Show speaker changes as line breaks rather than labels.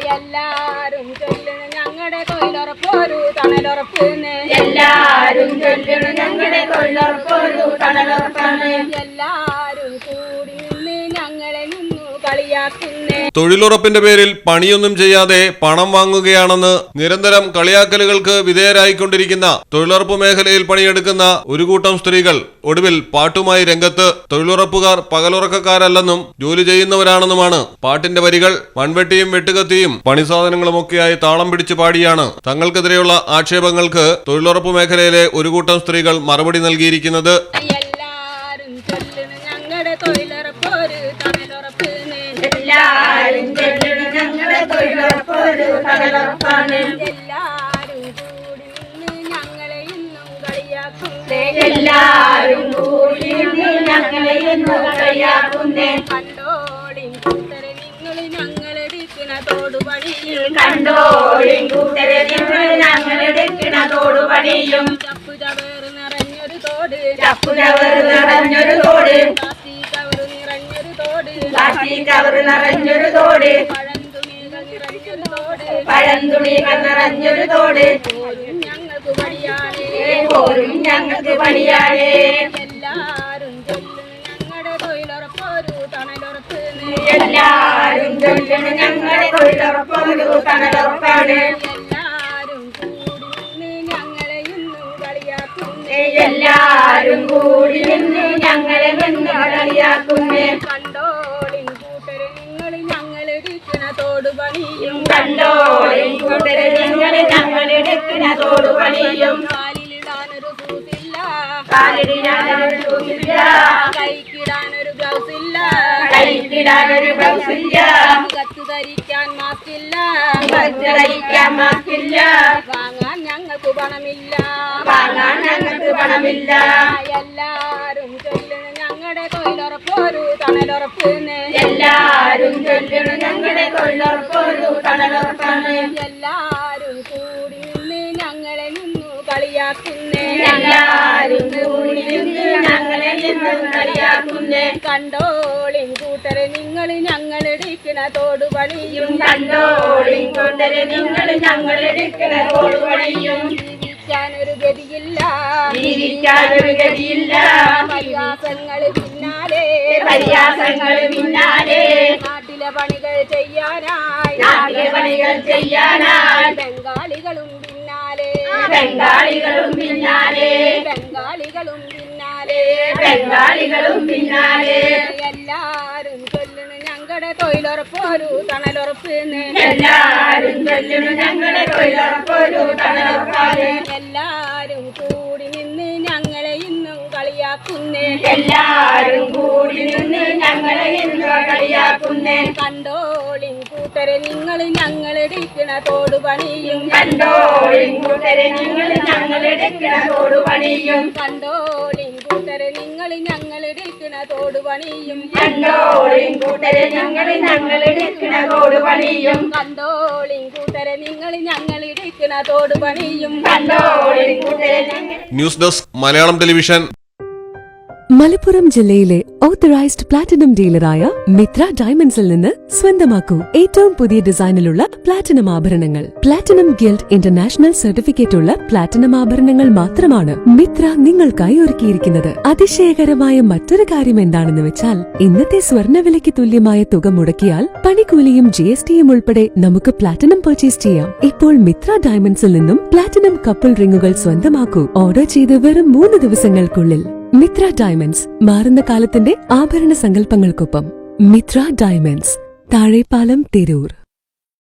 എല്ലാരും ചൊല്ലണം ഞങ്ങളുടെ തൊഴിലുറപ്പൊരു തണലുറപ്പിന്.
എല്ലാരും ചൊല്ലണം ഞങ്ങളുടെ തൊഴിലുറപ്പൊരു തണലുറപ്പാണ്.
എല്ലാരും കൂടി നിന്ന് ഞങ്ങളെ നിന്നു കളിയാക്കുന്നേ.
തൊഴിലുറപ്പിന്റെ പേരിൽ പണിയൊന്നും ചെയ്യാതെ പണം വാങ്ങുകയാണെന്ന് നിരന്തരം കളിയാക്കലുകൾക്ക് വിധേയരായിക്കൊണ്ടിരിക്കുന്ന തൊഴിലുറപ്പ് മേഖലയിൽ പണിയെടുക്കുന്ന ഒരു കൂട്ടം സ്ത്രീകൾ ഒടുവിൽ പാട്ടുമായി രംഗത്ത്. തൊഴിലുറപ്പുകാർ പകലുറക്കക്കാരല്ലെന്നും ജോലി ചെയ്യുന്നവരാണെന്നുമാണ് പാട്ടിന്റെ വരികൾ. മൺവെട്ടിയും വെട്ടുകത്തിയും പണിസാധനങ്ങളുമൊക്കെയായി താളം പിടിച്ചു പാടിയാണ് തങ്ങൾക്കെതിരെയുള്ള ആക്ഷേപങ്ങൾക്ക് തൊഴിലുറപ്പ് മേഖലയിലെ ഒരു കൂട്ടം സ്ത്രീകൾ മറുപടി നൽകിയിരിക്കുന്നത്.
എല്ലാരും ചൊല്ലണം ഞങ്ങളുടെ തൊഴിലുറപ്പൊരു തണലുറപ്പിന്.
എല്ലാരും ചൊല്ലണം ഞങ്ങളുടെ തൊഴിലുറപ്പൊരു തണലുറപ്പാണ്.
എല്ലാരും കൂടി നിന്ന് ഞങ്ങളെ ഇന്നും കളിയാക്കുന്നേ.
എല്ലാരും കൂടി നിന്ന് ഞങ്ങളെ ഇന്നും കളിയാക്കുന്നേ.
കണ്ടോളിൻ കൂട്ടരെ നിങ്ങൾ ഞങ്ങളെടുക്കണ തോടുപണിയും.
കണ്ടോളിൻ കൂട്ടരെ നിങ്ങൾ ഞങ്ങളെടുക്കണ തോടുപണിയും.
ചപ്പു ചവേറ് നിറഞ്ഞൊരു തോട്.
ചപ്പു ചവറ് നിറഞ്ഞൊരു തോട്.
പ്ലാസ്റ്റിക് കവറ് നിറഞ്ഞൊരു തോട്.
പ്ലാസ്റ്റിക് കവറ് നിറഞ്ഞൊരു തോട്.
പഴന്തുണികൾ നിറഞ്ഞൊരു തോട്.
പഴന്തുണികൾ നിറഞ്ഞൊരു തോട്.
പോരും ഞങ്ങൾക്ക് പണിയാണേ.
പോരും ഞങ്ങൾക്ക് പണിയാണേ.
എല്ലാരും ചൊല്ലണം ഞങ്ങളുടെ തൊഴിലുറപ്പൊരു തണലുറപ്പിന്.
എല്ലാരും ചൊല്ലണം ഞങ്ങളുടെ തൊഴിലുറപ്പൊരു തണലുറപ്പാണ്.
എല്ലാരും കൂടി നിന്ന് ഞങ്ങളെ ഇന്നും കളിയാക്കുന്നേ.
എല്ലാരും കൂടി നിന്ന് ഞങ്ങളെ നിന്ന് കളിയാക്കുന്നേ.
കണ്ടോളിൻ കൂട്ടരെ നിങ്ങൾ ഞങ്ങളെടുക്കണ തോടുപണിയും.
കണ്ടോളിൻ കൂട്ടരെ നിങ്ങൾ ഞങ്ങളെടുക്കണ തോടുപണിയും.
കാലിലിടാനൊരു കൂട്ടില്ല.
കാലിടാനൊരു ഷൂസില്ല.
കൈക്കിടാനൊരു ഗ്ലൗസ് ഇല്ല.
കൈക്കിടാനൊരു ബ്ലൗസില്ല.
മുഖത്ത് ധരിക്കാൻ മാസ്കില്ല.
ധരിക്കാൻ മാസ്കില്ല.
വാങ്ങാൻ ഞങ്ങൾക്ക് പണമില്ല.
വാങ്ങാൻ ഞങ്ങൾക്ക് പണമില്ല.
എല്ലാരും ചൊല്ലണം ഞങ്ങളുടെ തൊഴിലുറപ്പൊരു തണലുറപ്പിന്.
എല്ലാരും ചൊല്ലണം ഞങ്ങളുടെ തൊഴിലുറപ്പൊരു തണലുറപ്പാണ്.
എല്ലാരും കൂടി നിന്ന് ഞങ്ങളെ നിന്നു കളിയാക്കുന്നേ.
എല്ലാരും കൂടി നിന്ന് ഞങ്ങളെ നിന്ന് കളിയാക്കുന്നേ.
കണ്ടോളിൻ കൂട്ടരെ നിങ്ങൾ ഞങ്ങളെടുക്കണ തോടുപണിയും.
കണ്ടോളിൻ കൂട്ടരെ നിങ്ങൾ ഞങ്ങളെടുക്കണ തോടുപണിയും.
ജീവിക്കാനൊരു ഗതിയില്ല.
ജീവിക്കാനൊരു ഗതിയില്ല.
പരിഹാസങ്ങൾ പിന്നാലെ.
പരിഹാസങ്ങൾ പിന്നാലെ.
നാട്ടിലെ പണികൾ ചെയ്യാനായി.
നാട്ടിലെ പണികൾ ചെയ്യാനായി.
ബംഗാളികളും പിന്നാലെ.
ബംഗാളികളും പിന്നാലെ.
ബംഗാളികളും പിന്നാലെ.
ബംഗാളികളും പിന്നാലെ.
എല്ലാരും ചൊല്ലണം ഞങ്ങളുടെ തൊഴിലുറപ്പൊരു തണലുറപ്പിന്.
എല്ലാരും ചൊല്ലണം ഞങ്ങളുടെ തൊഴിലുറപ്പൊരു തണലുറപ്പാണ്.
എല്ലാരും കൂടി നിന്ന് ഞങ്ങളെ ഇന്നും കളിയാക്കുന്നേ.
എല്ലാരും കൂടി നിന്ന് ഞങ്ങളെ ഇന്ന് കളിയാക്കുന്നേ.
കണ്ടോളിൻ കൂട്ടരെ നിങ്ങൾ ഞങ്ങളെടുക്കണ തോടുപണിയും.
കണ്ടോളിൻ കൂട്ടരെ നിങ്ങൾ ഞങ്ങളെടുക്കണ തോടുപണിയും.
കണ്ടോളിൻ കൂട്ടരെ നിങ്ങൾ ഞങ്ങളെടുക്കണ തോടുപണിയും.
കണ്ടോളിൻ കൂട്ടരെ നിങ്ങൾ ഞങ്ങളെടുക്കണ തോടുപണിയും.
കണ്ടോളിൻ കൂട്ടരെ നിങ്ങൾ ഞങ്ങളെടുക്കണ തോടുപണിയും.
കണ്ടോളിൻ കൂട്ടരെ ഞങ്ങൾ.
News desk Malayalam television.
Malappuram ജില്ലയിലെ ഓത്തറൈസ്ഡ് പ്ലാറ്റിനം ഡീലറായ മിത്ര ഡയമണ്ട്സിൽ നിന്ന് സ്വന്തമാക്കൂ ഏറ്റവും പുതിയ ഡിസൈനിലുള്ള പ്ലാറ്റിനം ആഭരണങ്ങൾ. പ്ലാറ്റിനം ഗിൽഡ് ഇന്റർനാഷണൽ സർട്ടിഫിക്കറ്റ് ഉള്ള പ്ലാറ്റിനം ആഭരണങ്ങൾ മാത്രമാണ് മിത്ര നിങ്ങൾക്കായി ഒരുക്കിയിരിക്കുന്നത്. അതിശയകരമായ മറ്റൊരു കാര്യം എന്താണെന്ന് വെച്ചാൽ ഇന്നത്തെ സ്വർണ്ണവിലയ്ക്ക് തുല്യമായ തുക മുടക്കിയാൽ പണിക്കൂലിയും GSTയും ഉൾപ്പെടെ നമുക്ക് പ്ലാറ്റിനം പർച്ചേസ് ചെയ്യാം. ഇപ്പോൾ മിത്ര ഡയമണ്ട്സിൽ നിന്നും പ്ലാറ്റിനം കപ്പിൾ റിങ്ങുകൾ സ്വന്തമാക്കൂ. ഓർഡർ ചെയ്ത് വെറും 3 ദിവസങ്ങൾക്കുള്ളിൽ. മിത്ര ഡയമണ്ട്സ്, മാറുന്ന കാലത്തിന്റെ ആഭരണ സങ്കല്പങ്ങൾക്കൊപ്പം. മിത്ര ഡയമണ്ട്സ്, താഴെപ്പാലം, തിരൂർ.